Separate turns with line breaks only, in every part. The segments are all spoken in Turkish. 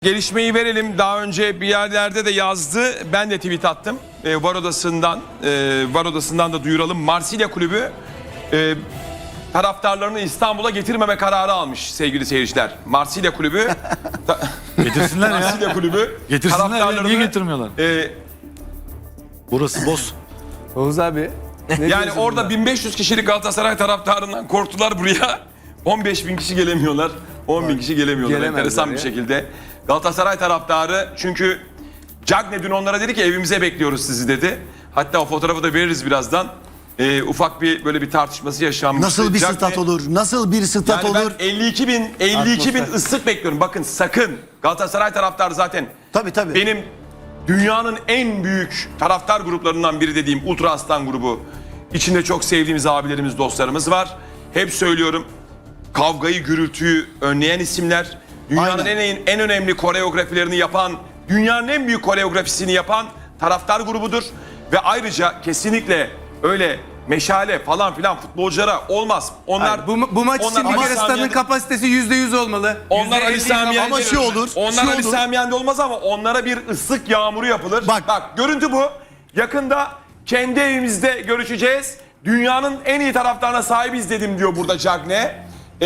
Gelişmeyi verelim. Daha önce bir yerlerde de yazdı. Ben de tweet attım. Var Odası'ndan da duyuralım. Marsilya Kulübü taraftarlarını İstanbul'a getirmeme kararı almış sevgili seyirciler. Marsilya Kulübü
Getirsinler ya.
Marsilya Kulübü
Getirsinler ya. Niye getirmiyorlar? Burası boz.
Oğuz abi.
Yani orada 1500 kişilik Galatasaray taraftarından korktular buraya. 15.000 kişi gelemiyorlar. 10.000 kişi gelemiyorlar enteresan bir şekilde. Galatasaray taraftarı çünkü Cagne dün onlara dedi ki evimize bekliyoruz sizi dedi. Hatta o fotoğrafı da veririz birazdan. Ufak bir böyle bir tartışması yaşanmış.
Nasıl bir stat olur? Nasıl bir stat
yani
olur?
Ben 52 bin ıslık bekliyorum. Bakın sakın Galatasaray taraftarı zaten
Tabii.
benim dünyanın en büyük taraftar gruplarından biri dediğim Ultra Aslan grubu. İçinde çok sevdiğimiz abilerimiz, dostlarımız var. Hep söylüyorum, kavgayı, gürültüyü önleyen isimler. Dünyanın en önemli koreografilerini yapan, dünyanın en büyük koreografisini yapan taraftar grubudur. Ve ayrıca kesinlikle öyle meşale falan filan futbolculara olmaz. Onlar
Hayır, bu maç için bir kere stadın kapasitesi %100 olmalı.
onlar Ali Sami Yen'de
ama şu olur.
Onlar Ali Sami Yen'de olmaz ama onlara bir ıslık yağmuru yapılır. Bak görüntü bu. Yakında kendi evimizde görüşeceğiz. Dünyanın en iyi taraftarına sahibiz dedim diyor burada Cagne.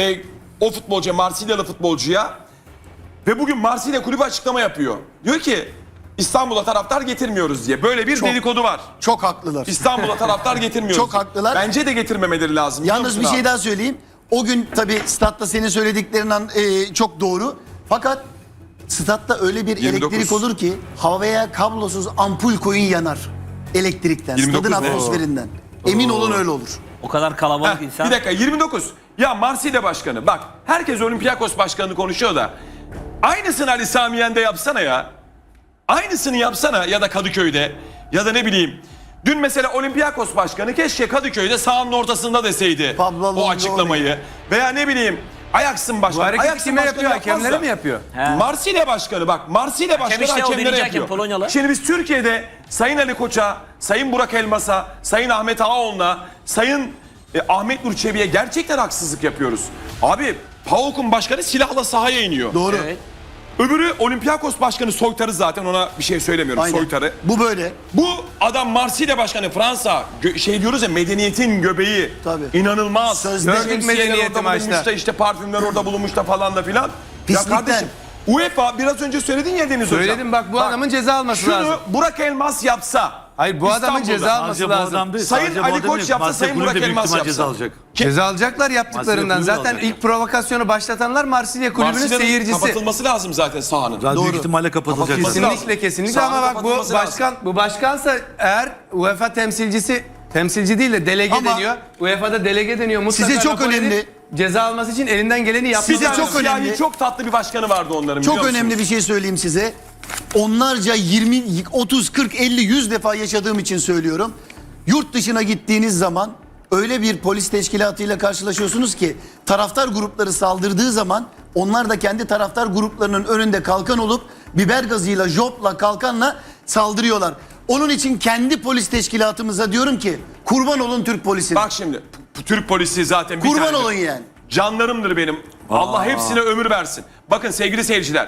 O futbolcuya, Marsilyalı futbolcuya. Ve bugün Marsilya kulübü açıklama yapıyor. Diyor ki İstanbul'a taraftar getirmiyoruz diye. Böyle bir dedikodu var.
Çok haklılar.
İstanbul'a taraftar getirmiyoruz.
Çok haklılar.
Bence de getirmemeleri lazım.
Yalnız bir şey daha söyleyeyim. O gün tabii statta senin söylediklerinden çok doğru. Fakat statta öyle bir
29.
elektrik olur ki havaya kablosuz ampul koyun yanar. Elektrikten,
29
stadın
ne?
atmosferinden. Emin olun öyle olur.
O kadar kalabalık insan.
Bir dakika 29. Ya Marsilya başkanı bak herkes Olympiakos başkanını konuşuyor da aynısını Ali Sami Yen'de yapsana ya. Aynısını yapsana ya da Kadıköy'de ya da ne bileyim. Dün mesela Olympiakos başkanı keşke Kadıköy'de sahanın ortasında deseydi o açıklamayı. Veya ne bileyim Ajax'ın başkanı.
Bu hareketi
Ajax'ın
kime
başkanı
yapıyor?
yapmaz
Hakemlere
da.
mi yapıyor?
Marsilya başkanı bak. Marsilya başkanı
işte o
hakemlere
birinci
yapıyor.
hakem, Polonyalı.
Şimdi biz Türkiye'de Sayın Ali Koç'a, Sayın Burak Elmas'a, Sayın Ahmet Ağaoğlu'na, Sayın Ahmet Nur Çebi'ye gerçekten haksızlık yapıyoruz. Abi PAOK'un başkanı silahla sahaya iniyor.
Doğru.
Evet.
Öbürü Olympiakos başkanı soytarı zaten ona bir şey söylemiyorum.
Aynen.
Soytarı.
Bu böyle.
Bu adam Marsilya başkanı Fransa şey diyoruz ya medeniyetin göbeği.
Tabii.
İnanılmaz.
Sözde
Şemsiyeler
medeniyeti
orada bulunmuş
maçta.
da işte parfümler orada bulunmuş da falan da filan. Ya
Pislikten.
kardeşim UEFA biraz önce söyledin ya Deniz Hocam.
Söyledim bak bu adamın ceza alması lazım.
Şunu Burak Elmas yapsa.
Hayır bu adamın
İstanbul'da.
ceza alması
Sadece bu
lazım.
adam değil.
Sayın
sadece bu
Ali
adam
Koç
değil.
yapsa,
Marsilya
Sayın
Kulübü
Burak
de büyük
Elmas
ihtimal
yapsa.
ceza alacak.
Ceza alacaklar yaptıklarından.
Marsilya
Zaten
kulübü
ilk provokasyonu başlatanlar Marsilya Kulübü'nün
Marsilya'nın
seyircisi.
kapatılması lazım zaten sahanın.
Daha büyük
Doğru.
ihtimalle kapatılacak.
Kapatılması
zaten.
lazım.
Kesinlikle ama bak bu
kapatılması lazım.
bu başkansa eğer UEFA temsilci değil de delege
Ama
deniyor. UEFA'da delege deniyor. Mutlaka
size çok
rapor edin.
önemli.
Ceza alması için elinden geleni yapması
Size
lazım.
çok önemli.
Çok tatlı bir başkanı vardı onların.
Çok
biliyor
önemli
musunuz?
bir şey söyleyeyim size. Onlarca 20, 30, 40, 50, 100 defa yaşadığım için söylüyorum. Yurt dışına gittiğiniz zaman öyle bir polis teşkilatıyla karşılaşıyorsunuz ki taraftar grupları saldırdığı zaman onlar da kendi taraftar gruplarının önünde kalkan olup biber gazıyla, jopla, kalkanla saldırıyorlar. Onun için kendi polis teşkilatımıza diyorum ki kurban olun Türk polisine.
Bak şimdi Türk polisi zaten bir
Kurban
tanedir.
olun yani.
Canlarımdır benim. Allah hepsine ömür versin. Bakın sevgili seyirciler.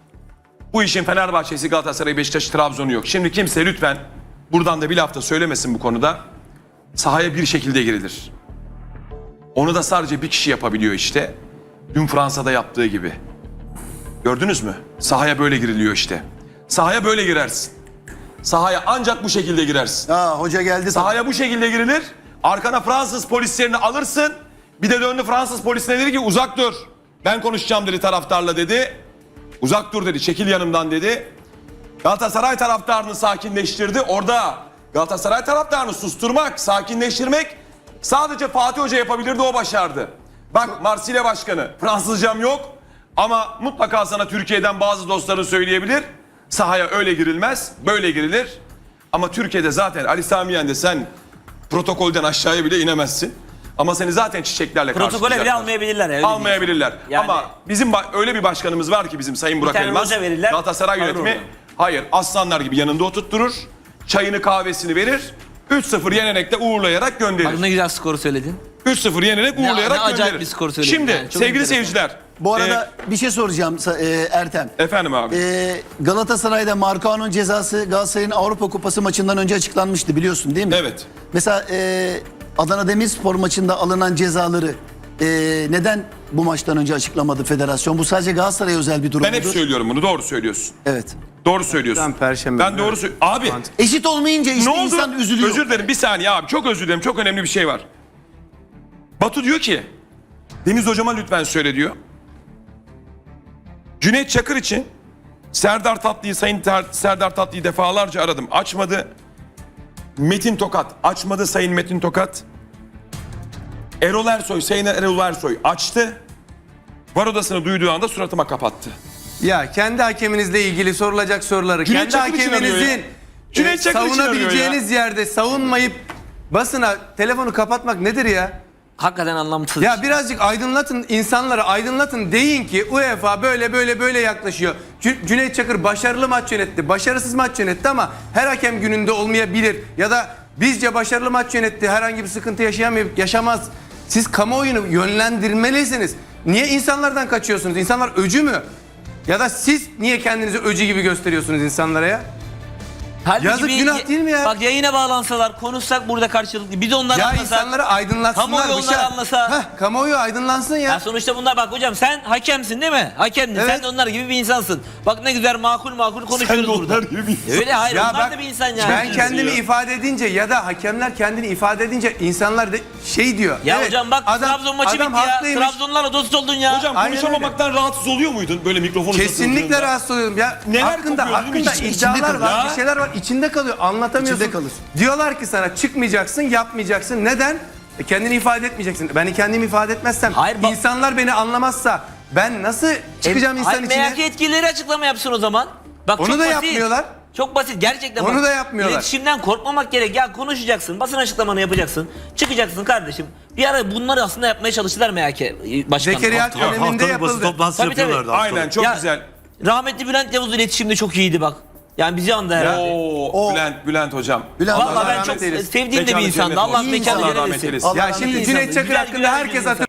Bu işin Fenerbahçe'si, Galatasaray'ı, Beşiktaş'ı, Trabzon'u yok. Şimdi kimse lütfen buradan da bir laf da söylemesin bu konuda. Sahaya bir şekilde girilir. Onu da sadece bir kişi yapabiliyor işte. Dün Fransa'da yaptığı gibi. Gördünüz mü? Sahaya böyle giriliyor işte. Sahaya böyle girersin. Sahaya ancak bu şekilde girersin.
Hoca geldi.
Sahaya bu şekilde girilir. Arkana Fransız polislerini alırsın. Bir de döndü Fransız polisine dedi ki uzak dur. Ben konuşacağım dedi taraftarla dedi. Uzak dur dedi, çekil yanımdan dedi. Galatasaray taraftarını sakinleştirdi. Orada Galatasaray taraftarını susturmak, sakinleştirmek sadece Fatih Hoca yapabilirdi, o başardı. Bak Marsilya Başkanı, Fransızcam yok ama mutlaka sana Türkiye'den bazı dostların söyleyebilir. Sahaya öyle girilmez, böyle girilir. Ama Türkiye'de zaten Ali Sami Yen'de sen protokolden aşağıya bile inemezsin. Ama seni zaten çiçeklerle
Protokole bile
karşılayacaklar.
almayabilirler. Öyle
Almayabilirler.
Yani-
Ama bizim öyle bir başkanımız var ki bizim Sayın Burak
tane
Elmas.
hoca verirler,
Galatasaray
alır
yönetimi.
onu.
Hayır, aslanlar gibi yanında oturtturur. Çayını kahvesini verir. 3-0 yenerek de uğurlayarak
Bak
gönderir.
ne güzel skoru söyledin.
3-0 yenerek
Ne
uğurlayarak
acayip
gönderir.
bir skor söyledin
Şimdi
yani, çok
sevgili
enteresan.
seyirciler,
Bu arada bir şey soracağım Ertem.
Efendim abi.
Galatasaray'da Marcao'nun cezası Galatasaray'ın Avrupa Kupası maçından önce açıklanmıştı, biliyorsun değil mi?
Evet.
Mesela Adana Demirspor maçında alınan cezaları neden bu maçtan önce açıklamadı federasyon? Bu sadece Galatasaray'a özel bir durum
Ben hep
mudur?
söylüyorum bunu, doğru söylüyorsun.
Evet.
Doğru söylüyorsun.
Perşembe
Ben
günü.
doğru söylüyorum. Abi
Eşit olmayınca işte
ne oldu?
insan üzülüyor.
Özür dilerim, bir saniye abi, çok özür dilerim, çok önemli bir şey var. Batu diyor ki Deniz hocama lütfen söyle diyor. Cüneyt Çakır için Serdar Tatlı'yı, Serdar Tatlı'yı defalarca aradım, açmadı. Metin Tokat açmadı, Sayın Metin Tokat. Erol Ersoy, Sayın Erol Ersoy açtı. Var odasını duyduğu anda suratıma kapattı.
Ya kendi hakeminizle ilgili sorulacak soruları
Cüneyt
kendi
Çakır için arıyor
hakeminizin
ya. Cüneyt Çakır için
savunabileceğiniz yerde savunmayıp basına telefonu kapatmak nedir ya?
Hakikaten anlamsız.
Ya birazcık aydınlatın, insanları aydınlatın, deyin ki UEFA böyle yaklaşıyor. Cüneyt Çakır başarılı maç yönetti, başarısız maç yönetti ama her hakem gününde olmayabilir. Ya da bizce başarılı maç yönetti, herhangi bir sıkıntı yaşamaz. Siz kamuoyunu yönlendirmelisiniz. Niye insanlardan kaçıyorsunuz? İnsanlar öcü mü? Ya da siz niye kendinizi öcü gibi gösteriyorsunuz insanlara ya?
Halbuki
Yazık, günah değil mi ya?
Bak yayına bağlansalar, konuşsak burada karşılıklı. Bir de onları
Ya
anlasak.
insanları aydınlatsınlar.
Kamuoyu
bir şey.
onları anlasa.
Kamuoyu aydınlansın ya.
Ya sonuçta bunlar, bak hocam sen hakemsin değil mi? Hakemdin.
Evet.
Sen de onlar gibi bir insansın. Bak ne güzel makul konuşuyoruz
Sen de
burada.
onlar gibi bir insansın.
Öyle hayır,
Ya
onlar
bak,
da bir insan yani.
ben kendimi ifade edince ya da hakemler kendini ifade edince insanlar da şey diyor.
Ya
evet,
hocam bak Trabzon maçı bitti ya.
haklıymış.
Trabzonlarla dost oldun ya.
Hocam
Aynen
konuşamamaktan rahatsız oluyor muydun böyle mikrofonu
Kesinlikle
uzatındığında?
rahatsız oluyorum. Ya
Neler
hakkında
kopuyor, değil mi?
iddialar
İçinde
var,
kalıyor.
bir şeyler var. İçinde kalıyor. Anlatamıyorsun.
İçinde kalır.
Diyorlar ki sana çıkmayacaksın, yapmayacaksın. Neden? Kendini ifade etmeyeceksin. Ben kendimi ifade etmezsem,
Hayır, bak-
insanlar beni anlamazsa ben nasıl çıkacağım insan
Hayır,
içine?
MHK yetkilileri açıklama yapsın o zaman. Bak,
Onu
çok
da
basit.
yapmıyorlar.
Çok basit gerçekten.
Onu
bak.
da yapmıyorlar.
İletişimden korkmamak gerek. Ya konuşacaksın, basın açıklamanı yapacaksın. Çıkacaksın kardeşim. Bir ara bunları aslında yapmaya çalıştılar MHK başkanı.
Zekeriya
Hafta-
döneminde
Haftalık basın
yapıldı.
toplantısı
Tabii, tabii.
yapıyorlardı. haftalık.
Aynen, çok
Ya,
güzel.
Rahmetli Bülent Yavuz iletişimde çok iyiydi bak. Yani bizi andı herhalde.
Oo, Bülent hocam.
Bülent
Vallahi
Allah
ben
rahmet
çok
eylesin.
sevdiğim de bir
Mekanı
insandı.
cennet
Allah
olsun.
mekanı
Allah
cennet
rahmet
etsin.
eylesin.
Allah
Ya
rahmet
şimdi
eylesin.
Cüneyt Çakır
Güzel,
hakkında
güzel bir
herkes
insan.